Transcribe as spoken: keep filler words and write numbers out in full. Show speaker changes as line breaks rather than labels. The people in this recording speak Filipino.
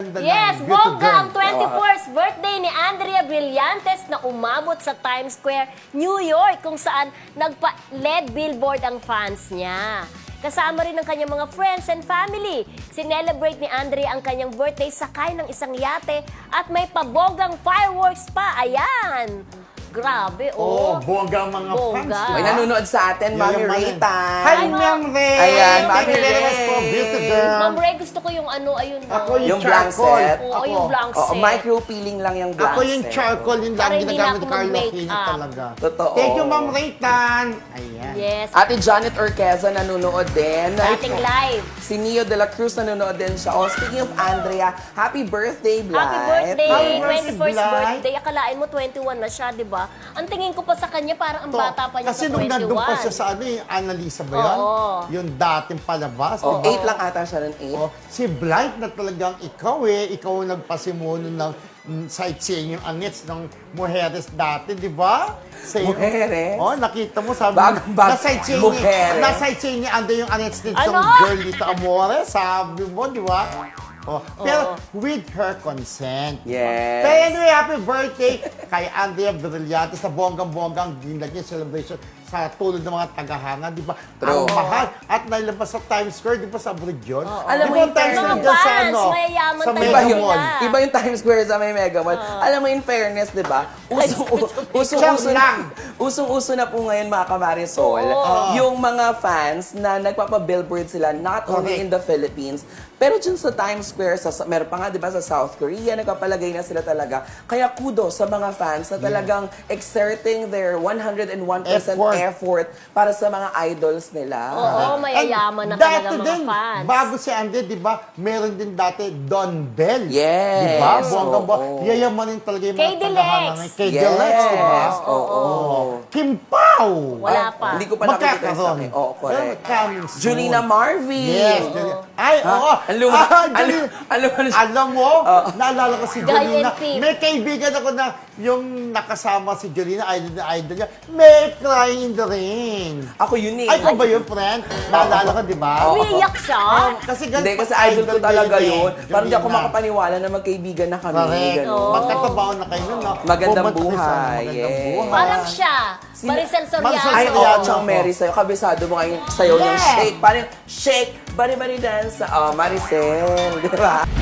ganda
Yes,
ng beautiful
bongga ang
girl.
twenty-fourth birthday ni Andrea Brillantes na umabot sa Times Square, New York, kung saan nagpa-lead billboard ang fans niya. Kasama rin ang kanyang mga friends and family. Sinelebrate ni Andrea ang kanyang birthday sakay ng isang yate at may pabonggang fireworks pa. Ayan! Grabe,
Oh,
oh.
bongga ang mga
Bongga.
fans.
May nanonood sa atin, Mami
Yayamanin.
Rita.
Hi, Ma'am Ray!
Ayan,
Thank
Mami
you very
Ray.
much for beauty girl.
Ma'am Ray, gusto ko yung ano, ayun. oh.
Ako yung,
Yung blank
charcoal.
set.
Oo,
Ako.
yung blank
Oo,
set.
micro peeling lang yung blank
Ako yung
set.
charcoal, yung
Para
lang
hindi
ginagamit
na
ni
ako
Carlo
mag-make
Aquino
up.
talaga.
Totoo.
Thank you, Ma'am Raytan. Ayan.
Yes.
Ate Janet Orqueza nanonood din.
Sa ating live.
Si Neo de la Cruz nanonood din siya. Oh, speaking of Andrea, happy birthday, Blythe.
Happy birthday!
Happy birthday,
twenty-first
Blythe.
birthday. Akalain mo twenty-one na siya, di ba? Ang tingin ko pa sa kanya, parang ang
To,
bata pa niya
kasi
sa
nung
twenty-one.
nandun pa siya sa ano, yung Annalisa ba yun?
Oo.
Yung dating palabas.
Oh,
di ba?
eight lang ata siya nun, eight.
Oh, si Blight na talagang ikaw eh, ikaw ang nagpasimuno ng mm, sightseeing yung angits ng Mujeres dati, di ba? Sa iyo-
Mujeres?
Oh, nakita mo, sabi
Bag-
mo,
bag-
na-sightseeing
Mujeres.
ni, na-sightseeing ni Ando yung angits din
Ano?
sa girl dito, Amore, sabi mo, di ba? Oh, pero with her consent.
Yes.
Pero anyway, happy birthday kay Andrea Brillantes sa bonggang-bonggang ginag niya celebration sa tulad ng mga tagahanga, di ba?
True.
Ang mahal. At nailabas sa Times Square, di ba sa abroad yun?
Alam mo
Di ba
yung
Times
mga
Square dyan sa
fans,
ano?
mayayaman
Sa
talaga
Iba
Mega
yung,
Mall.
sila.
iba yung Times Square sa may Mega Mall. Alam mo, in fairness, di ba? Usong-uso
Siyam lang.
usong-uso na po ngayon, mga kamarisol,
Oo.
yung mga fans na nagpapa-billboard sila, not only
Correct.
in the Philippines, pero dyan sa Times Square, sa, meron pa nga, di ba, sa South Korea, nagpapalagay na sila talaga. Kaya kudos sa mga fans na talagang exerting their one hundred one percent
Effort.
effort. para sa mga idols nila.
Oo, mayayaman na
And
talaga
dati
mga
din,
fans.
bago si Andy, di ba, meron din dati Don Bell.
Yes.
Di ba? Bonggang bo.
Oo.
Yayamanin talaga yung
Kay
mga
Dilex.
tagahanga ngayon. Kay
Yes.
Dilex, di ba?
Oo.
Oo. Kim Pao.
Wala
Ay,
pa.
Hindi ko pa nakikita sa
Magkakaroon.
akin. Oo, correct.
Pero coming soon.
Julina Marvi.
Yes. Julina. Ay, oo.
Ang luma.
Ah,
Ang
Julina.
lu- ang luma-
Alam mo, naalala ko si
Guy
Julina.
and Pip.
May kaibigan ako na yung nakasama si Julina, idol na idol niya, may crying in the rain.
Ako yun eh.
Ay, ikaw ba yun, friend? Naalala ko, di ba?
Umiiyak siya.
Oh, kasi ganun
Hindi,
pa
kasi idol ko talaga
niya eh,
yun. Parang di ako
Julina.
makapaniwala na magkaibigan na kami.
Correct.
Ganun.
Magkatabaho na kayo nun, no?
Magandang
Pumunta kayo sa
buhay,
Magandang
yes.
buhay.
Parang siya. Maricel
Maricel
Soriano.
Ay, oo,
Soriano.
Chang Mary sa'yo. Kabisado mo ngayon sa'yo yung
Yeah.
shake. Parang shake, bari-bari dance. Oh, Maricel. Di ba?